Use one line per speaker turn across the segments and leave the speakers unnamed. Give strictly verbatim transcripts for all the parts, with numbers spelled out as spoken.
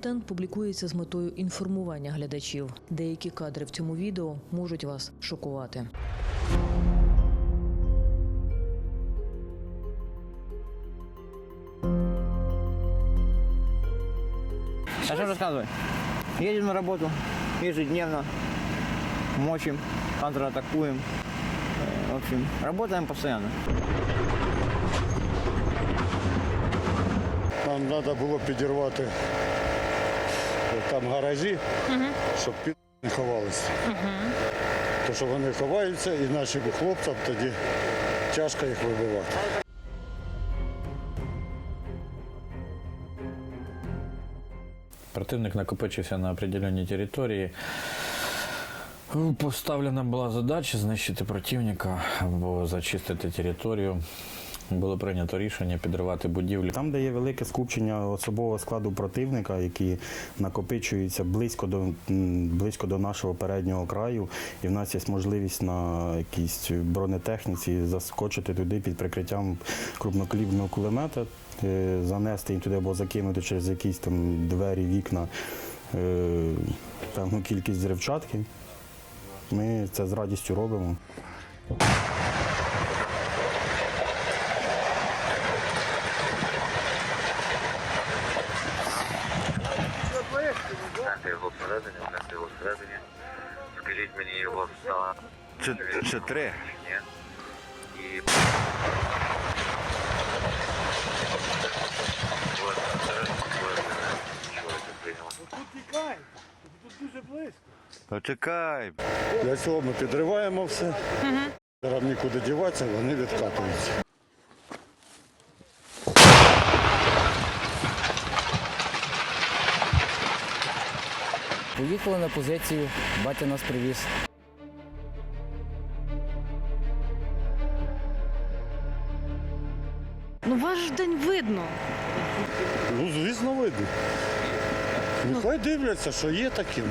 Контент публікується з метою інформування глядачів. Деякі кадри в цьому відео можуть вас шокувати.
А что рассказывай? Едем на работу ежедневно, мочим, контратакуем. В общем, работаем постоянно.
Нам треба було підірвати там гаражі, угу. щоб під не ховалися. Угу. Тому що вони ховаються і нашим хлопцям тоді тяжко їх вибивати.
Противник накопичився на определеній території. Поставлена була задача знищити противника або зачистити територію. Було прийнято рішення підривати будівлі.
Там, де є велике скупчення особового складу противника, які накопичуються близько до, близько до нашого переднього краю, і в нас є можливість на якійсь бронетехніці заскочити туди під прикриттям крупнокаліберного кулемета, занести їм туди або закинути через якісь там двері, вікна певну кількість взривчатки. Ми це з радістю робимо.
Знати його всередині, знати його всередині. Скажіть мені його стан.
Це, це три.
Ні. І...
Тут тікай, тут дуже близько.
Почекай.
Для цього ми підриваємо все. Угу. Зараз нікуди діватися, вони відкатуються.
Поїхали на позицію, батя нас привіз.
Ну ваш ж день видно.
Ну, звісно, видно. Нехай дивляться, що є такими.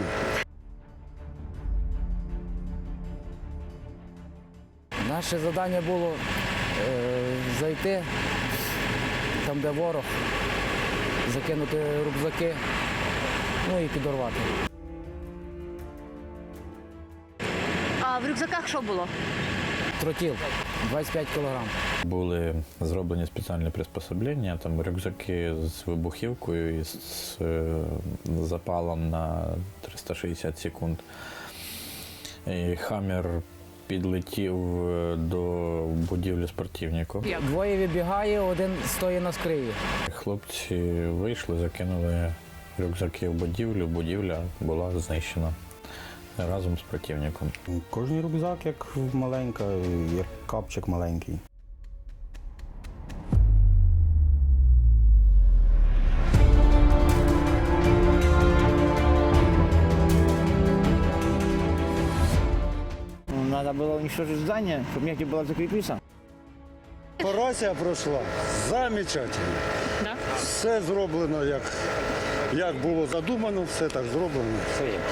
Наше завдання було е, зайти там, де ворог, закинути рюкзаки, ну і підорвати.
А в рюкзаках що було?
Тротіл, двадцять п'ять кілограм.
Були зроблені спеціальні приспособлення, там рюкзаки з вибухівкою і з запалом на триста шістдесят секунд. І «Хаммер» підлетів до будівлі спортивнику.
Двоє вибігає, один стоїть на скриї.
Хлопці вийшли, закинули рюкзаки в будівлю, будівля була знищена разом з противником.
Кожний рюкзак як маленька, як капчик маленький.
Надо было уничтожить здание, чтобы негде было закрепиться.
Операція пройшла замечательно.
Да?
Все зроблено, як, як було задумано, все так зроблено.
Все є.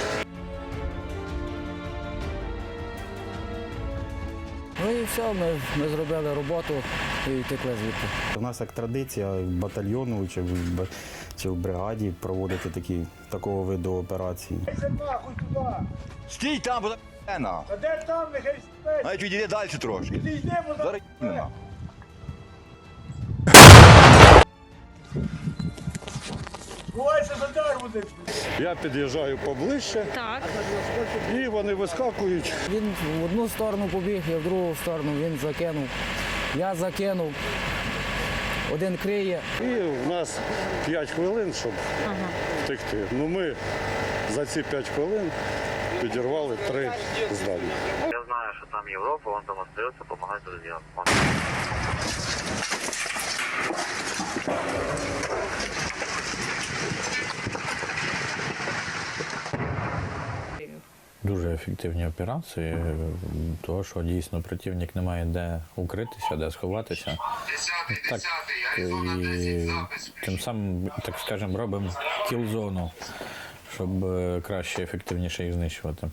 Ну і все, ми, ми зробили роботу і втекли звідти.
У нас як традиція батальйону чи в, б- чи в бригаді проводити такі, такого виду операції.
Стій там, бо на.
А де там, нехай спить?
Навіть відійди далі трошки. Зараз нема.
Я під'їжджаю поближче,
Так.
і вони вискакують.
Він в одну сторону побіг, я в другу сторону, він закинув. Я закинув. Один криє.
І в нас п'ять хвилин, щоб втекти. Ну ми за ці п'ять хвилин підірвали три здання.
Я знаю, що там Європа, он там остается, допомагає друзям. Он...
Дуже ефективні операції, тому що дійсно противник не має де укритися, де сховатися. Так, і тим самим, так скажемо, робимо кіл-зону, щоб краще, ефективніше їх знищувати.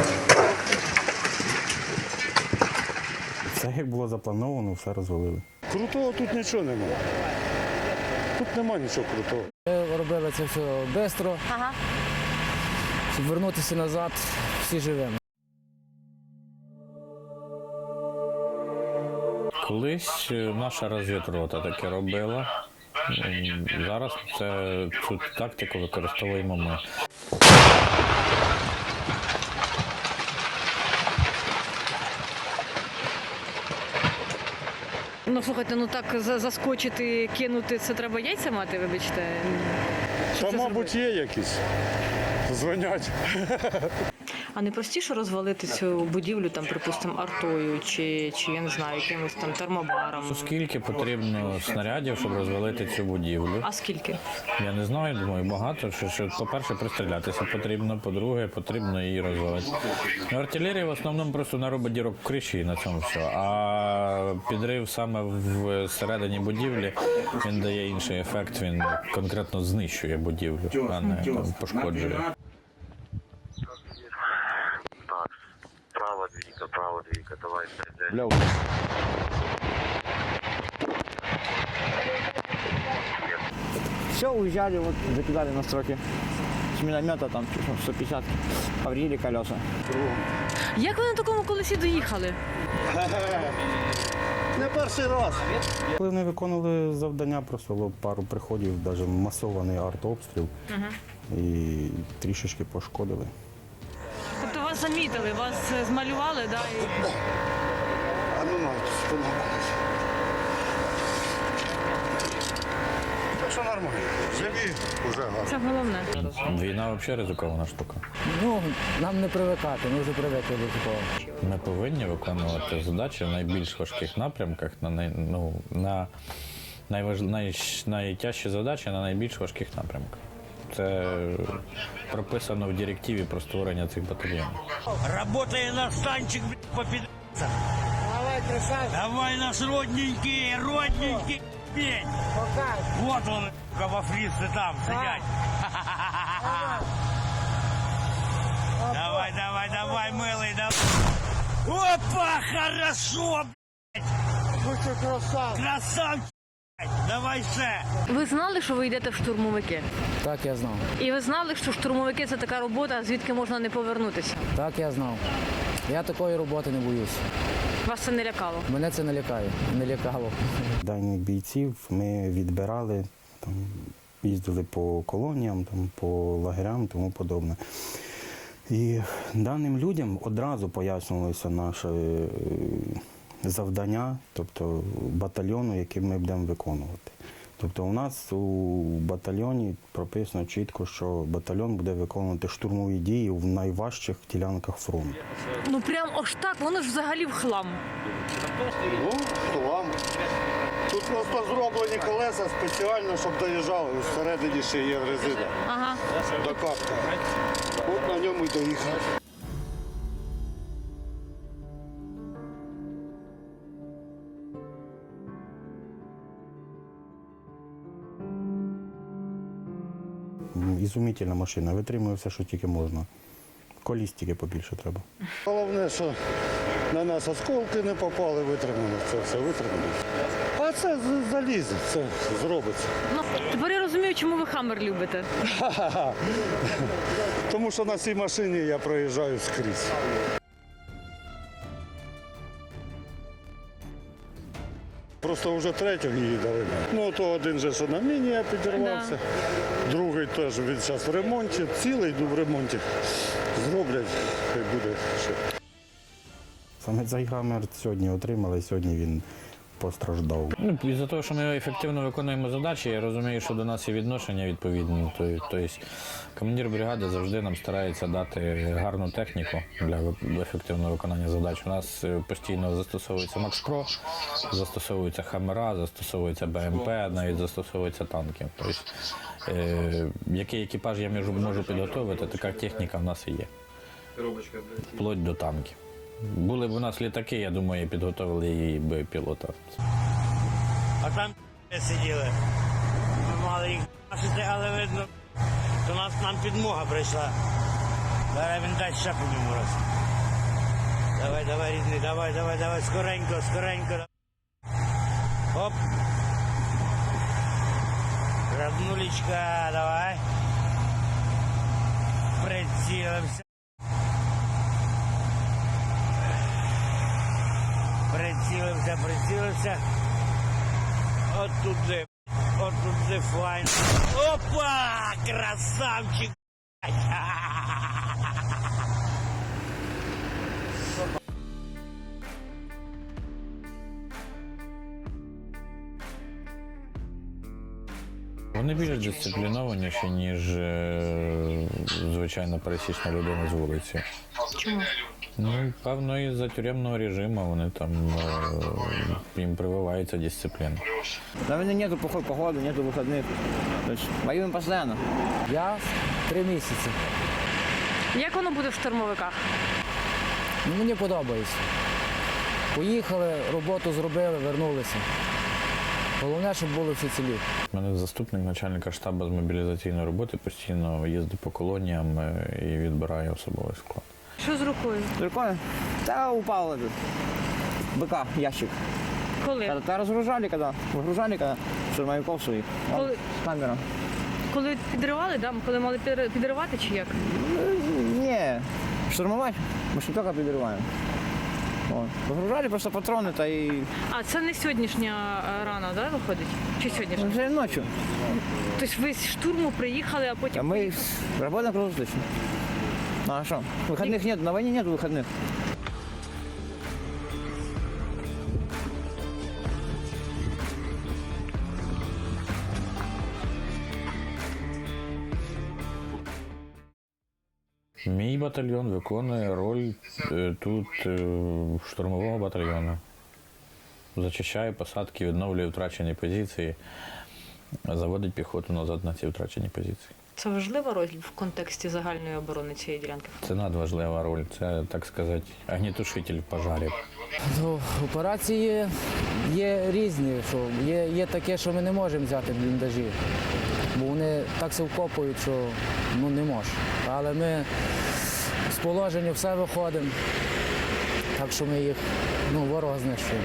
Все як було заплановано, все розвалили.
Крутого тут нічого немає. Тут нема нічого крутого.
Ми робили це все швидко,
Ага.
щоб вернутися назад всі живими.
Колись е, наша розвідрота таке робила. М, Зараз це, цю тактику використовуємо ми.
Ну слухайте, ну так за- заскочити, кинути, це треба яйця мати, вибачте. Щоб
Та,
це
мабуть,
зробити?
є якісь. Дзвонять.
А не простіше розвалити цю будівлю, там, припустимо, артою чи, чи я не знаю, якимось там термобаром?
Скільки потрібно снарядів, щоб розвалити цю будівлю?
А скільки?
Я не знаю, думаю, багато. Що, що, по-перше, пристрілятися потрібно, по-друге, потрібно її розвалити. Ну, артилерія в основному просто наробить дірок в криші і на цьому все. А підрив саме в середині будівлі, він дає інший ефект, він конкретно знищує будівлю, а не там, пошкоджує.
Так, право двійка, право двійка, давай стріляй.
Бля, все, уезжали, вот закидали на строке. С миномета там сто пятьдесят, повредили колеса.
Як ви на такому колесі доїхали?
Не перший раз.
Коли вони виконували завдання, просто було пару приходів, навіть масований артобстріл. І трішечки пошкодили.
Тобто вас замітили, вас е, змалювали, да? І...
А ну навіть сподобалось. Так що нормально. Живі, вже гарно.
Це головне.
Війна взагалі ризикована штука.
Ну, нам не привикати, ми вже привикли до такого.
Ми повинні виконувати задачі в найбільш важких напрямках, на, най, ну, на найваж, най, найтяжчі задачі на найбільш важких напрямках. Це прописано в директиві про створення цих батальйонів.
Работай наш танчик, блядь, по пидорцам. Давай, красавчик. Давай, наш родненький, родненький, блядь. Вот он, сука, во фрице там сидять. Давай, давай, давай, милый, давай. Опа, хорошо, блядь. Красавчик, блядь. Давай ще.
Ви знали, що ви йдете в штурмовики?
Так я знав.
І ви знали, що штурмовики це така робота, звідки можна не повернутися?
Так я знав. Я такої роботи не боюсь.
Вас це не лякало?
Мене це не лякає, не лякало.
Даних бійців ми відбирали, там, їздили по колоніям, там, по лагерям і тому подобне. І даним людям одразу пояснювалося наше е, завдання, тобто батальйону, який ми будемо виконувати. Тобто у нас у батальйоні прописано чітко, що батальйон буде виконувати штурмові дії в найважчих ділянках фронту.
Ну прям аж так, воно ж взагалі в хлам.
Ну, то вам. Тут просто зроблені колеса спеціально, щоб доїжджали. Всередині ще є резина.
Ага.
До капка. От на ньому й доїхали.
Ізумітельна машина, витримує все, що тільки можна. Коліс тільки побільше треба.
Головне, що на нас осколки не попали, витримано. Це все витримано. А це з- залізе, це зробиться.
Ну, тепер я розумію, чому ви Хаммер любите.
Ха-ха-ха. Тому що на цій машині я проїжджаю скрізь. Просто вже третього її дали. Ну, то один же, що на міні я підірвався. Другий теж він зараз в ремонті. Цілий йду в ремонті. Зроблять, хай буде ще.
Саме цей гамер сьогодні отримали, сьогодні він постраждав.
Ну, із-за того, що ми ефективно виконуємо задачі, я розумію, що до нас є відношення відповідне. Тобто командир бригади завжди нам старається дати гарну техніку для ви- ефективного виконання задач. У нас е, постійно застосовується Макс-Про, застосовуються Хаммера, застосовується БМП, навіть застосовуються танки. Тобто, е, який екіпаж я можу, можу підготовити, така техніка в нас і є. Вплоть до танків. Були б у нас літаки, я думаю, підготовили її би пілота.
А там сиділи. Ми мали їх бачити, але видно, до нас нам підмога прийшла. Зараз він дасть ще по ньому раз. Давай, давай, рідний, давай, давай, давай, скоренько, скоренько. Оп. Роднулечка, давай. Прицілився. Прицілився, прицілився. От туди, от туди файн. Опа! Красавчик!
Вони більш дисциплінованіші, ніж е, звичайно пересічна людина з вулиці.
Чому?
Ну, певно, із-за тюремного режиму вони там е, їм прививається дисципліна.
На войне нету плохой погоды, нету выходных. То есть воюем постоянно.
Я три місяці.
Як воно буде в штурмовиках?
Ну, мені подобається. Поїхали, роботу зробили, вернулися. Головне, щоб були всі цілі.
У мене заступник начальника штабу з мобілізаційної роботи постійно їздить по колоніям е, і відбирає особовий склад.
Що з рукою?
Рукой? Да, упал этот. БК, ящик.
Коли?
Когда разгружали, когда выгружали, когда штурмовиков своих. Вон,
Коли?
камера.
Коли підривали, да? Коли мали підри- підривати чи як?
Не, штурмовать мы же только прибиваем. Вот. Выгружали просто патроны-то и
А це не сьогоднішня е, рана, да, виходить? Чи сьогоднішня?
уже ночью.
Тобто ви з штурму приїхали, а
А
потім...
мы работаем круглосуточно. Ну а что? Выходных нет, на войне нет выходных.
Мій батальйон виконує роль е, тут е, штурмового батальйону. Зачищає посадки, відновлює втрачені позиції, заводить піхоту назад на ці втрачені позиції.
Це важлива роль в контексті загальної оборони цієї ділянки?
Це надважлива роль, це, так сказати, огнетушитель пожарів.
Ну, операції є різні. Що є, є таке, що ми не можемо взяти бліндажі, бо вони так се вкопують, що ну, не можеш. Але ми з положення все виходимо, так що ми їх ну, ворога знищуємо.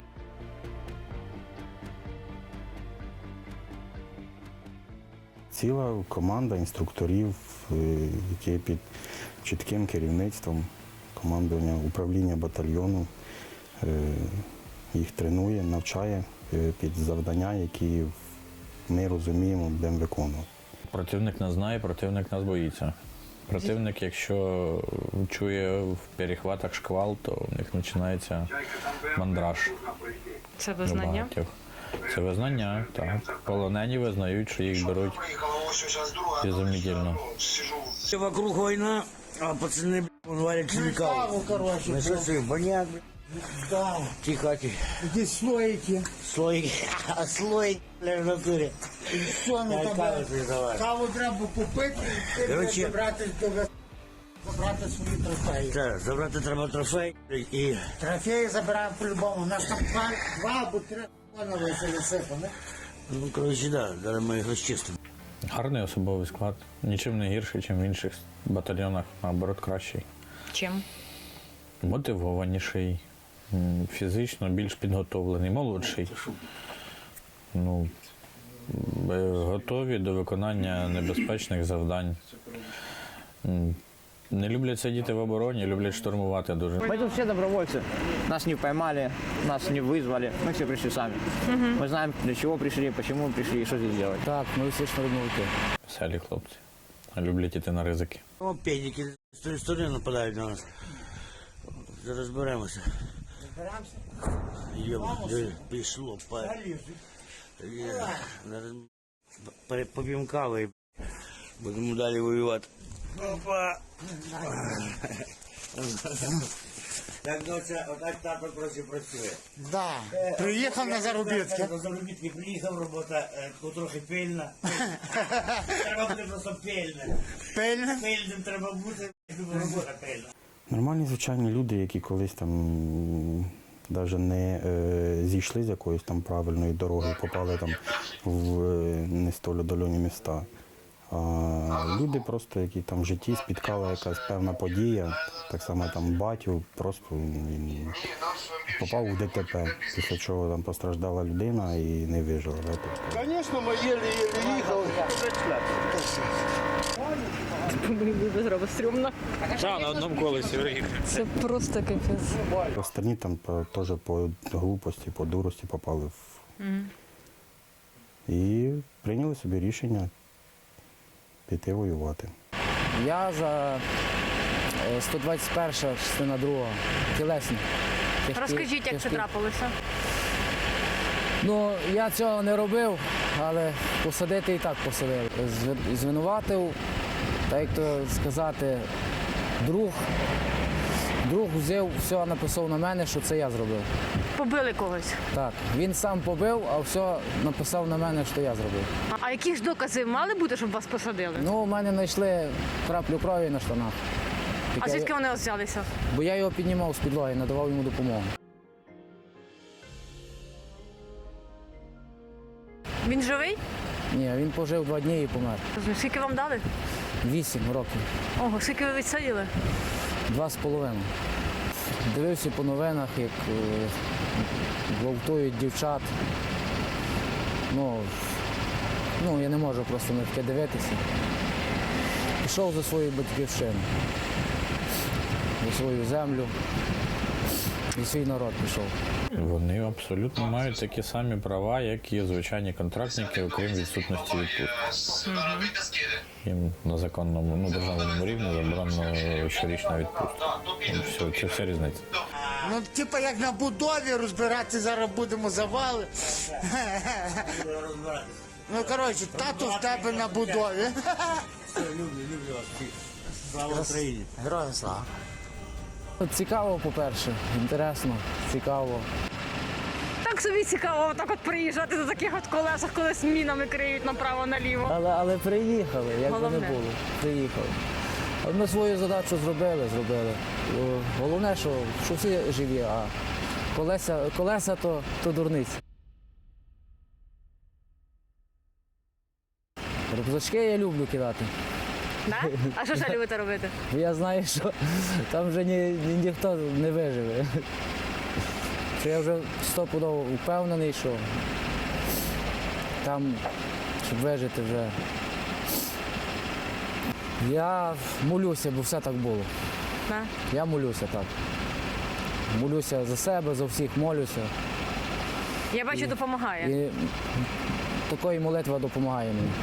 Ціла команда інструкторів, е, які під чітким керівництвом командування управління батальйону е, їх тренує, навчає е, під завдання, які ми розуміємо, будемо виконувати.
Противник нас знає, противник нас боїться. Противник, якщо чує в перехватах шквал, то в них починається мандраж.
Це
у
визнання?
багатьох. Це визнання, так. Полонені визнають, що їх беруть безумітельно.
Вокруг война, а пацаны, блядь, вон варят химикал. Ну что ты, баняк, блядь. Тихо, тихо.
Здесь слоики.
Слой, а слой, блядь, в натуре.
Що ми там? Каву треба попити і
Короче.
забрати, забрати свої трофеї.
Так, забрати треба трофей і...
Трофеї забираємо по-любому. У нас там два, два або три планові висипані.
Ну, короче, да, зараз ми їх розчистимо.
Гарний особовий склад. Нічим не гірший, ніж в інших батальйонах, наоборот, кращий.
Чим?
Мотивованіший, м, фізично більш підготовлений, молодший. Ну, е, готові до виконання небезпечних завдань. М, Не люблять сидіти в обороні, люблять штурмувати дуже.
Мы тут все добровольцы. Нас не поймали, нас не вызвали. Мы все пришли сами. Мы знаем, для чего пришли, почему пришли и что здесь делать.
Так, ми всі штурмовики.
Веселі хлопці. Люблять іти на ризики.
О, педики з тої сторони нападають на нас. Зараз розберемося. Розберемося? Пішло, па. Є, зараз пере- поп'ємо кави і будемо далі воювати. Опа! Так, доця, отак тато працює, працює.
Да. Приїхав на заробітки.
На заробітки приїхав, робота е, таку трохи пильна. Треба бути просто пильним.
Пильне.
Пильним треба бути, щоб робота пильна.
Нормальні звичайні люди, які колись там навіть не е, зійшли з якоїсь там правильної дороги, попали там в е, не столь отдалені міста. А люди просто, які там в житті спіткала якась певна подія, так само там батю, просто він попав у ДТП, після чого там постраждала людина і не вижила.
Звісно, ми єлі-єлі їхали.
Без роби стрьомно.
Так, на одному колесі приїхав.
Це просто капець.
Останні там по- теж по глупості, по дурості попали в. І прийняли собі рішення піти воювати.
Я за е, сто двадцять перша частина друга, тілесні. Тяжкі-
Розкажіть, як це
тяжкі.
трапилося.
Ну, я цього не робив, але посадити і так посадили. Зв- Звинуватив, так як то сказати, друг. Друг взяв, все написав на мене, що це я зробив.
Побили когось.
Так, він сам побив, а все написав на мене, що я зробив.
А, а які ж докази мали бути, щоб вас посадили?
Ну, у мене знайшли краплю крові на штанах.
А
Яке-
звідки вони взялися?
Бо я його піднімав з підлоги, надавав йому допомогу.
Він живий?
Ні, він пожив два дні і помер.
Скільки вам дали?
Вісім років.
Ого, скільки ви відсадили?
Два з половиною. Дивився по новинах, як е, гвалтують дівчат. Ну, ну, я не можу просто на таке дивитися. Пішов за свою батьківщину, за свою землю, за свій народ пішов.
Вони абсолютно мають такі самі права, як і звичайні контрактники, окрім відсутності відпустки. Їм на законному, ну, державному рівні заборонено щорічна відпустка. Ну, все, це вся різниця.
Ну, типа як на будові розбирати, зараз будемо завали. Ну, коротше, тату в тебе на будові. Слава Україні. Героям слава.
Цікаво, по-перше, інтересно, цікаво.
Так собі цікаво, так от приїжджати на таких от колесах, коли з мінами криють направо-наліво.
Але, але приїхали, як би
Головне.
не було, приїхали. Але ми свою задачу зробили, зробили. О, Головне, що, що всі живі, а колеса, колеса то, то дурниці. Рюкзачки я люблю кидати.
Да? А що ж любите робити?
Бо я знаю, що там вже ні, ні, ніхто не виживе. Що я вже стопудово впевнений, що там, щоб вижити вже. Я молюся, бо все так було.
Да?
Я молюся так. Молюся за себе, за всіх молюся.
Я бачу, допомагає.
І такої молитва допомагає мені.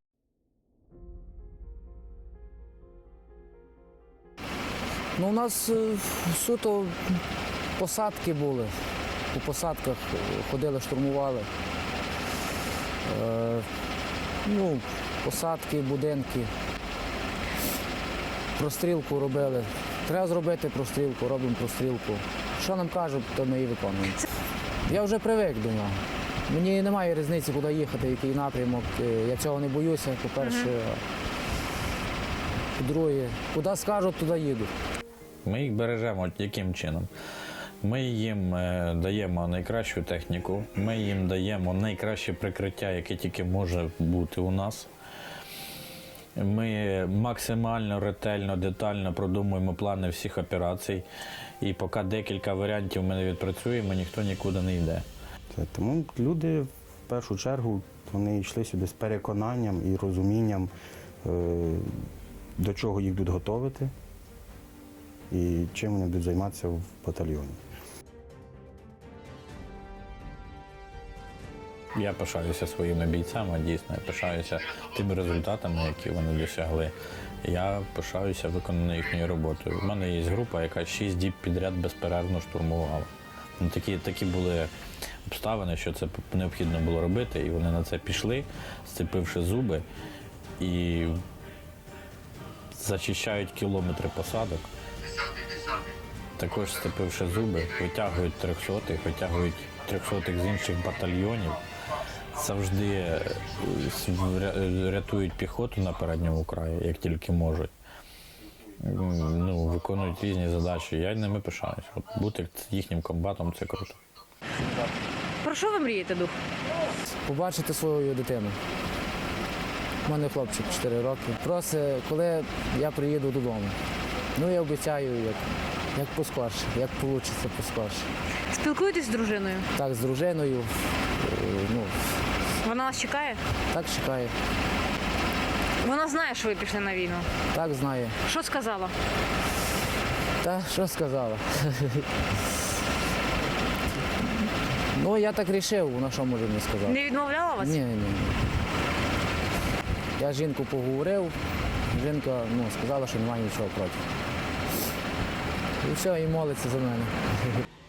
Ну, у нас е, суто посадки були. По посадках ходили, штурмували. Е, ну, посадки, будинки. Прострілку робили. Треба зробити прострілку, робимо прострілку. Що нам кажуть, то ми і виконуємо. Я вже привик до нього. Мені немає різниці, куди їхати, який напрямок. Е, Я цього не боюся, по-перше. По-друге, куди скажуть, туди їду.
Ми їх бережемо яким чином? Ми їм е, даємо найкращу техніку, ми їм даємо найкраще прикриття, яке тільки може бути у нас. Ми максимально ретельно, детально продумуємо плани всіх операцій. І поки декілька варіантів ми не відпрацюємо, ніхто нікуди не йде.
Це, тому люди в першу чергу вони йшли сюди з переконанням і розумінням, е, до чого їх будуть готувати і чим вони будуть займатися в батальйоні.
Я пишаюся своїми бійцями, дійсно, я пишаюся тими результатами, які вони досягли. Я пишаюся виконаною їхньою роботою. У мене є група, яка шість діб підряд безперервно штурмувала. Ну, такі, такі були обставини, що це необхідно було робити, і вони на це пішли, сцепивши зуби, і зачищають кілометри посадок. Також сцепивши зуби, витягують трьохсотих, витягують трьохсотих з інших батальйонів. Завжди рятують піхоту на передньому краї, як тільки можуть. Ну, виконують різні задачі. Я ними пишаюсь. От бути їхнім комбатом – це круто.
Про що ви мрієте, дух?
Побачити свою дитину. У мене хлопчик чотири роки. Просить, коли я приїду додому. Ну, я обіцяю, як, як поскорше, як вийде поскорше.
Спілкуєтесь з дружиною?
Так, з дружиною, е, ну,
Вона вас чекає?
так чекає.
Вона знає, що ви пішли на війну.
Так знає.
Що сказала?
Та що сказала? Ну, я так вирішив, вона що може мені сказати?
Не відмовляла вас?
Ні, ні, ні. Я з жінкою поговорив, жінка ну, сказала, що немає нічого проти. І все, і молиться за мене.